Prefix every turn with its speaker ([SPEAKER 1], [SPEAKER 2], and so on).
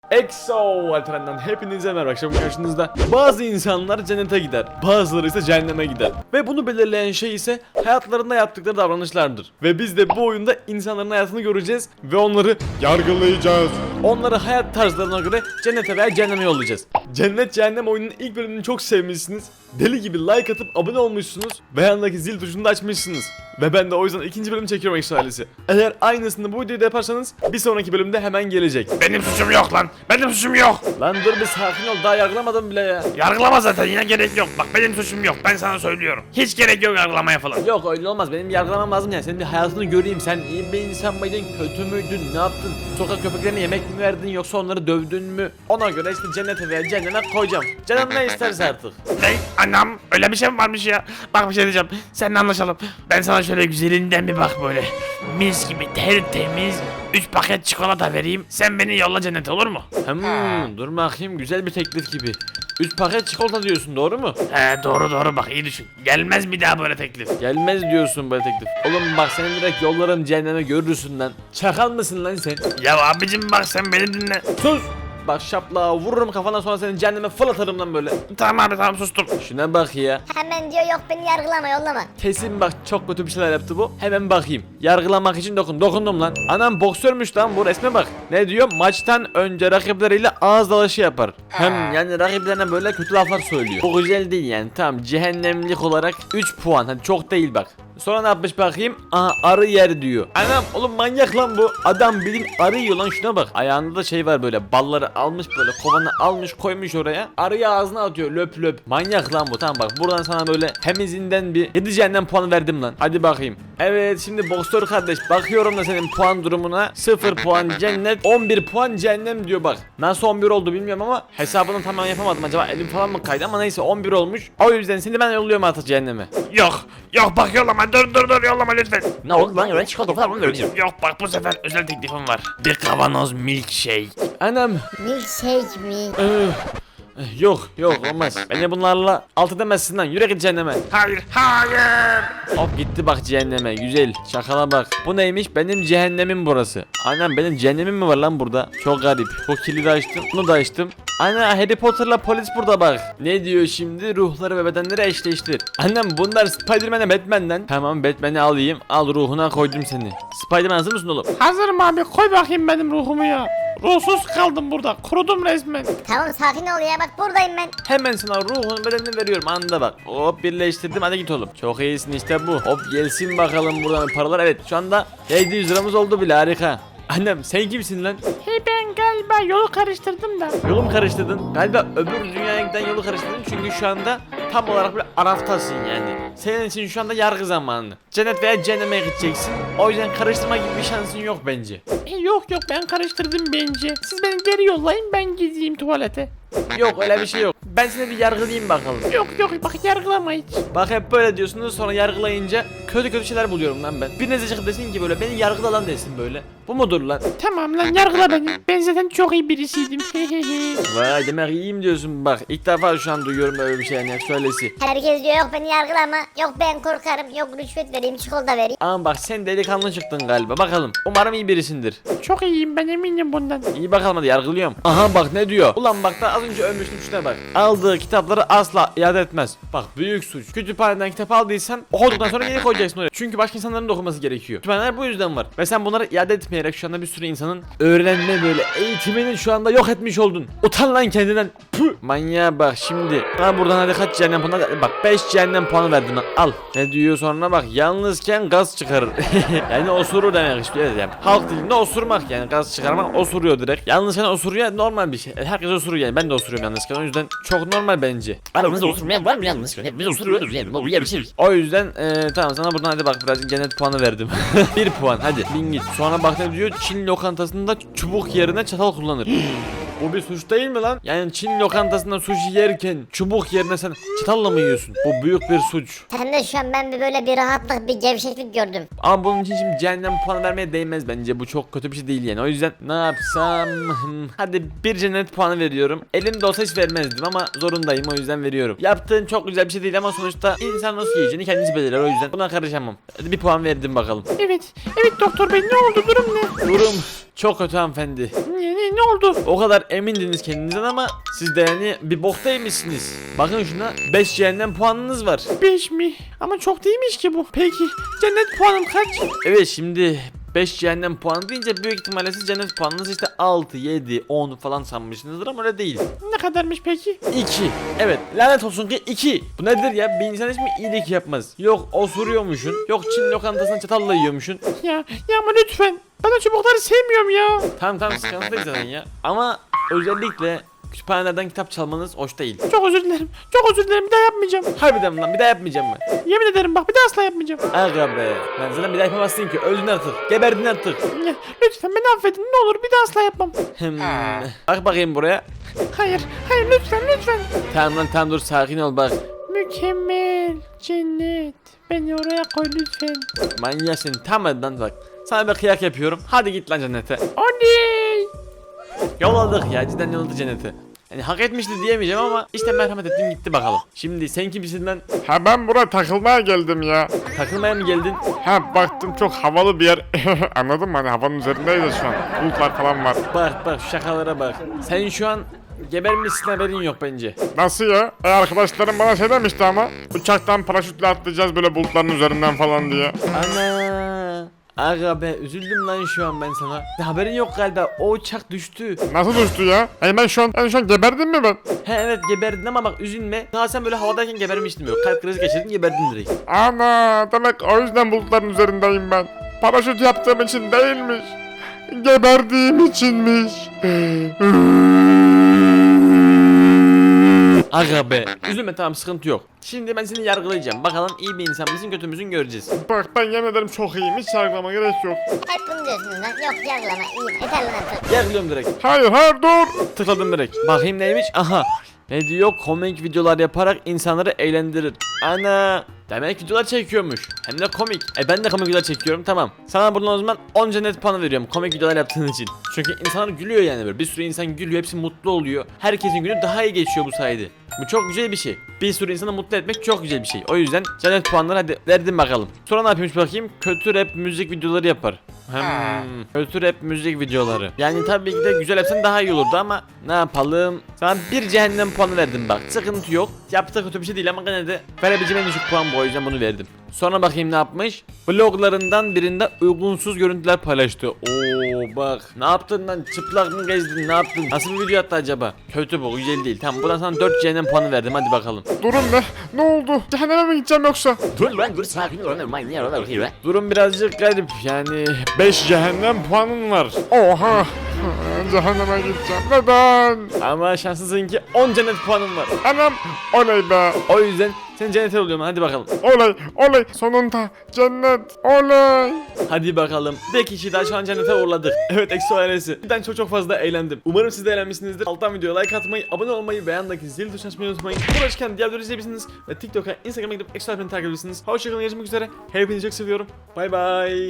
[SPEAKER 1] EXO Alperen'den hepinize merhaba. Akşam karşınızda bazı insanlar cennete gider, bazıları ise cehenneme gider. Ve bunu belirleyen şey ise hayatlarında yaptıkları davranışlardır. Ve biz de bu oyunda insanların hayatını göreceğiz ve onları yargılayacağız. Onları hayat tarzlarına göre cennete veya cehenneme yollayacağız. Cennet Cehennem oyunun ilk bölümünü çok sevmişsiniz. Deli gibi like atıp abone olmuşsunuz ve yanındaki zil tuşunu da açmışsınız. Ve ben de o yüzden ikinci bölüm çekiyorum EXO ailesi. Eğer aynısını bu videoda yaparsanız bir sonraki bölümde hemen gelecek.
[SPEAKER 2] Benim suçum yok lan. Benim suçum yok.
[SPEAKER 1] Lan dur bir sakin ol, daha yargılamadım bile ya.
[SPEAKER 2] Yargılama zaten, yine gerek yok. Bak benim suçum yok. Ben sana söylüyorum. Hiç gerek yok yargılamaya falan.
[SPEAKER 1] Yok öyle olmaz, benim yargılamam lazım yani. Senin bir hayatını göreyim, sen iyi bir insan mıydın, kötü müydün, ne yaptın? Sokak köpeklerine yemek mi verdin yoksa onları dövdün mü? Ona göre işte cennete veya cehenneme koyacağım. Canım ne isterse artık.
[SPEAKER 2] Ne? Anam öyle bir şey mi varmış ya? Bak bir şey diyeceğim. Seninle anlaşalım. Ben sana şöyle güzelinden bir bak böyle. Mis gibi tertemiz 3 paket çikolata vereyim. Sen beni yolla cennete, olur mu?
[SPEAKER 1] Dur bakayım, güzel bir teklif gibi. 3 paket çikolata diyorsun, doğru mu?
[SPEAKER 2] He doğru bak, iyi düşün. Gelmez bir daha böyle teklif.
[SPEAKER 1] Gelmez diyorsun böyle teklif. Oğlum bak, senin direkt yollarım cehenneme görürsün lan. Çakal mısın lan sen?
[SPEAKER 2] Ya abicim bak sen beni dinle.
[SPEAKER 1] Sus! Bak şapla vururum kafana, sonra seni cehenneme fırlatırım lan böyle.
[SPEAKER 2] Tamam abi tamam, sustum.
[SPEAKER 1] Şuna bak ya.
[SPEAKER 3] Hemen diyor yok beni yargılama yollama.
[SPEAKER 1] Kesin bak çok kötü bir şeyler yaptı bu. Hemen bakayım. Yargılamak için dokundum lan. Anam boksörmüş lan bu, resme bak. Ne diyor? Maçtan önce rakipleriyle ağız dalaşı yapar. Hem yani rakiplerine böyle kötü laflar söylüyor. Bu güzel değil yani. Tamam, cehennemlik olarak 3 puan. Hadi çok değil bak. Sonra ne yapmış bakayım? Aha, arı yer diyor. Anam oğlum manyak lan bu. Adam bilin arı yiyor lan, şuna bak. Ayağında da şey var böyle, balları almış böyle kovanı almış koymuş oraya. Arıyı ağzına atıyor löp löp. Manyak lan bu. Tamam bak, buradan sana böyle hemizinden bir 7 cehennem puanı verdim lan. Hadi bakayım. Evet şimdi boksör kardeş, bakıyorum da senin puan durumuna. 0 puan cennet, 11 puan cehennem diyor bak. Nasıl 11 oldu bilmiyorum ama hesabını tamam yapamadım, acaba elim falan mı kaydı, ama neyse 11 olmuş. O yüzden seni ben yolluyorum artık cehenneme.
[SPEAKER 2] Yok bak yollama, dur yollama lütfen.
[SPEAKER 4] Ne oldu lan, öyle çikolata falan mı vereceğim?
[SPEAKER 2] Yok bak, bu sefer özel teklifim var. Bir kavanoz milkshake.
[SPEAKER 1] Anam.
[SPEAKER 3] Milkshake mi?
[SPEAKER 1] Yok olmaz. Beni bunlarla alt edemezsin lan. Yürü git cehenneme.
[SPEAKER 2] Hayır.
[SPEAKER 1] Hop gitti bak cehenneme. Güzel. Şakala bak. Bu neymiş? Benim cehennemim burası. Anam benim cehennemim mi var lan burada? Çok garip. Bu kilidi açtım. Bunu da açtım. Ana Harry Potter'la polis burada bak. Ne diyor şimdi? Ruhları ve bedenleri eşleştir. Annem bunlar Spider-Man'e Batman'den. Tamam Batman'i alayım. Al, ruhuna koydum seni. Spider-Man hazır mısın oğlum?
[SPEAKER 2] Hazırım abi, koy bakayım benim ruhumu ya. Ruhsuz kaldım burada, kurudum resmen.
[SPEAKER 3] Tamam sakin ol ya, bak buradayım ben.
[SPEAKER 1] Hemen sana ruhun bedenini veriyorum, anında bak. Hop birleştirdim, hadi git oğlum. Çok iyisin işte bu. Hop gelsin bakalım buradan paralar. Evet şu anda 700 liramız oldu bile, harika. Annem sen kimsin lan?
[SPEAKER 2] Hey ben galiba yolu karıştırdım da.
[SPEAKER 1] Yolu mu karıştırdın? Galiba öbür dünyaya giden yolu karıştırdın, çünkü şu anda tam olarak böyle Araf'tasın yani. Senin için şu anda yargı zamanı. Cennet veya cehenneme gideceksin. O yüzden karıştırma gibi bir şansın yok bence.
[SPEAKER 2] Yok ben karıştırdım bence. Siz beni geri yollayın, ben gideyim tuvalete.
[SPEAKER 1] Yok öyle bir şey yok. Ben seni bir yargılayayım bakalım.
[SPEAKER 2] Yok bak yargılama hiç.
[SPEAKER 1] Bak hep böyle diyorsunuz, sonra yargılayınca kötü şeyler buluyorum lan ben. Birinize çıkıp desin ki böyle beni yargıla lan desin böyle. Bu mudur lan?
[SPEAKER 2] Tamam lan, yargıla beni. Ben zaten çok iyi birisiydim.
[SPEAKER 1] Vay demek iyiyim diyorsun bak. İlk defa şu an duyuyorum böyle bir şey yani, söylesi.
[SPEAKER 3] Herkes diyor yok beni yargılama. Yok ben korkarım. Yok rüşvet vereyim, çikolata vereyim.
[SPEAKER 1] Ama bak sen delikanlı çıktın galiba, bakalım. Umarım iyi birisindir.
[SPEAKER 2] Çok iyiyim, ben eminim bundan.
[SPEAKER 1] İyi bakalım, hadi yargılıyorum. Aha bak ne diyor. Ulan bak da az önce ölmüştüm, şuna bak. Aldığı kitapları asla iade etmez. Bak büyük suç. Kütüphaneden kitap aldıysan okuduktan sonra geri koyacaksın oraya. Çünkü başka insanların da okuması gerekiyor. Kütüphaneler bu yüzden var. Ve sen bunları iade etmeyerek şu anda bir sürü insanın öğrenme böyle eğitimini şu anda yok etmiş oldun. Utan lan kendinden. Püh. Manyağa bak şimdi. Ha buradan hadi kaç cehennem puanı? Bak 5 cehennem puanı verdim lan. Al. Ne diyor sonra bak. Yalnızken gaz çıkarır. Yani osurur demek istiyor. Evet yani. Halk dilinde osurmak yani. Gaz çıkarmak, osuruyor direkt. Yalnızken osuruyor, normal bir şey. Herkes osuruyor yani. Ben de osuruyorum yalnızken. O yüzden çok normal bence.
[SPEAKER 4] Aramızda oturmayan var mı yalnız? Hepimiz oturuyoruz yani. O yerimiz.
[SPEAKER 1] O yüzden tamam sana buradan hadi bak biraz cennet puanı verdim. 1 puan hadi bin git. Sonra bak ne diyor, Çin lokantasında çubuk yerine çatal kullanır. Bu bir suç değil mi lan? Yani Çin lokantasında sushi yerken çubuk yerine sen çatalla mı yiyorsun? Bu büyük bir suç.
[SPEAKER 3] Sen de şu an ben böyle bir rahatlık, bir gevşeklik gördüm.
[SPEAKER 1] Ama bunun için şimdi cehennem puanı vermeye değmez bence. Bu çok kötü bir şey değil yani. O yüzden ne yapsam? Hadi bir cennet puanı veriyorum. Elimde olsa hiç vermezdim ama zorundayım, o yüzden veriyorum. Yaptığın çok güzel bir şey değil ama sonuçta insan nasıl yiyeceğini kendisi belirler, o yüzden buna karışamam. Hadi bir puan verdim bakalım.
[SPEAKER 2] Evet doktor bey, ne oldu, durum ne?
[SPEAKER 1] Durum Çok kötü hanımefendi.
[SPEAKER 2] Ne oldu?
[SPEAKER 1] O kadar emindiniz kendinizden ama siz de yani bir boktaymışsınız. Bakın şuna 5 cehennem puanınız var.
[SPEAKER 2] 5 mi? Ama çok değilmiş ki bu. Peki cennet puanım kaç?
[SPEAKER 1] Evet şimdi 5 cehennem puanı deyince büyük ihtimalle siz cennet puanınız işte 6, 7, 10 falan sanmışsınızdır ama öyle değil.
[SPEAKER 2] Ne kadarmış peki?
[SPEAKER 1] 2. Evet lanet olsun ki 2. Bu nedir ya? Bir insan hiç mi iyilik yapmaz? Yok osuruyormuşsun. Yok Çin lokantasından çatalla yiyormuşsun.
[SPEAKER 2] Ya ama lütfen. Ben o çubukları sevmiyorum ya.
[SPEAKER 1] Tamam sıkıntı değil zaten ya. Ama özellikle kütüphanelerden kitap çalmanız hoş değil.
[SPEAKER 2] Çok özür dilerim. Çok özür dilerim. Bir daha yapmayacağım.
[SPEAKER 1] Harbiden lan bir daha yapmayacağım mı?
[SPEAKER 2] Yemin ederim bak bir daha asla yapmayacağım.
[SPEAKER 1] Aga be. Ben sana bir daha yapamazsın ki. Öldün artık. Geberdin artık.
[SPEAKER 2] Ya, lütfen beni affedin. Ne olur bir daha asla yapmam.
[SPEAKER 1] Bak bakayım buraya.
[SPEAKER 2] Hayır lütfen.
[SPEAKER 1] Tamam lan tamam dur sakin ol bak.
[SPEAKER 2] Mükemmel. Cennet. Beni oraya koy lütfen.
[SPEAKER 1] Manyak sen tamam hadi lan bak. Sana bir kıyak yapıyorum. Hadi git lan cennete.
[SPEAKER 2] Oley.
[SPEAKER 1] Yolladık ya cidden yolladı cennete. Yani hak etmişti diyemeyeceğim ama işte merhamet ettim gitti bakalım. Şimdi sen kimsin lan?
[SPEAKER 5] Ha ben buraya takılmaya geldim ya.
[SPEAKER 1] Takılmaya mı geldin?
[SPEAKER 5] Ha baktım çok havalı bir yer. Anladın mı? Hani havanın üzerindeyiz ya şu an. Bulutlar falan var.
[SPEAKER 1] Bak şu şakalara bak. Sen şu an gebermişsin haberin yok bence.
[SPEAKER 5] Nasıl ya? Arkadaşlarım bana şey demişti ama. Uçaktan paraşütle atlayacağız böyle bulutların üzerinden falan diye.
[SPEAKER 1] Ana. Aga be üzüldüm lan şu an ben sana. Haberin yok galiba o uçak düştü.
[SPEAKER 5] Nasıl düştü ya? Ben şu an geberdim mi ben?
[SPEAKER 1] He evet geberdin ama bak üzülme. Daha sen böyle havadayken gebermiştin böyle. Kalp krizi geçirdin geberdin direkt.
[SPEAKER 5] Ana demek o yüzden bulutların üzerindeyim ben. Paraşüt yaptığım için değilmiş. Geberdiğim içinmiş.
[SPEAKER 1] Aga be. Üzülme tamam sıkıntı yok. Şimdi ben seni yargılayacağım. Bakalım iyi bir insan mısın kötü müsün göreceğiz.
[SPEAKER 5] Bak ben yemin ederim çok iyiyim. Hiç yargılama gerek yok.
[SPEAKER 3] Hep bunu diyorsunuz lan. Yok yargılama iyiyim. Yeter lan artık.
[SPEAKER 1] Yargılıyorum direkt.
[SPEAKER 5] Hayır dur.
[SPEAKER 1] Tıkladım direkt. Bakayım neymiş? Aha. Ne diyor? Komik videolar yaparak insanları eğlendirir. Ana. Demek videolar çekiyormuş. Hem de komik. Ben de komik videolar çekiyorum tamam. Sana buradan o zaman 10 cennet puanı veriyorum komik videolar yaptığın için. Çünkü insanlar gülüyor yani böyle. Bir sürü insan gülüyor. Hepsi mutlu oluyor. Herkesin günü daha iyi geçiyor bu sayede. Bu çok güzel bir şey. Bir sürü insanı mutlu etmek çok güzel bir şey. O yüzden cennet puanları hadi verdim bakalım. Sonra ne yapıyormuş bakayım? Kötü rap müzik videoları yapar. Kötü rap müzik videoları. Yani tabii ki de güzel yapsan daha iyi olurdu ama ne yapalım? Sana bir cehennem puanı verdim bak. Sıkıntı yok. Yaptığı kötü bir şey değil ama gene de verebileceğim en düşük puan bu o yüzden bunu verdim. Sonra bakayım ne yapmış? Vloglarından birinde uygunsuz görüntüler paylaştı. Oo bak. Ne yaptın lan? Çıplak mı gezdin? Ne yaptın? Nasıl bir video attı acaba? Kötü bu. Güzel değil. Tamam buradan sana 4 cehennem puanı verdim. Hadi bakalım.
[SPEAKER 5] Durun be. Ne oldu? Cehenneme mi gideceğim yoksa?
[SPEAKER 4] Dur lan dur sakin ol. Ne yarar ki be?
[SPEAKER 1] Durum birazcık garip. Yani 5 cehennem puanın var.
[SPEAKER 5] Oha. Cehenneme gideceğim. Neden?
[SPEAKER 1] Ama şanslısın ki 10 cennet puanın var.
[SPEAKER 5] Anam. Oley be.
[SPEAKER 1] O yüzden sen cennete oluyorum. Hadi bakalım.
[SPEAKER 5] Oley. Sonunda. Cennet. Oley.
[SPEAKER 1] Hadi bakalım. Bir kişi daha şu an cennete uğurladık. Evet Exo ailesi. Ben çok fazla eğlendim. Umarım siz de eğlenmişsinizdir. Alttan videoya like atmayı, abone olmayı, beğendeki zil tuşuna açmayı unutmayın. Uğraşırken diğer videoları izleyebilirsiniz. Ve TikTok'a, Instagram'a gidip Exo ailesini takip edebilirsiniz. Hoşçakalın görüşmek üzere. Hepinizi çok seviyorum. Bay bay.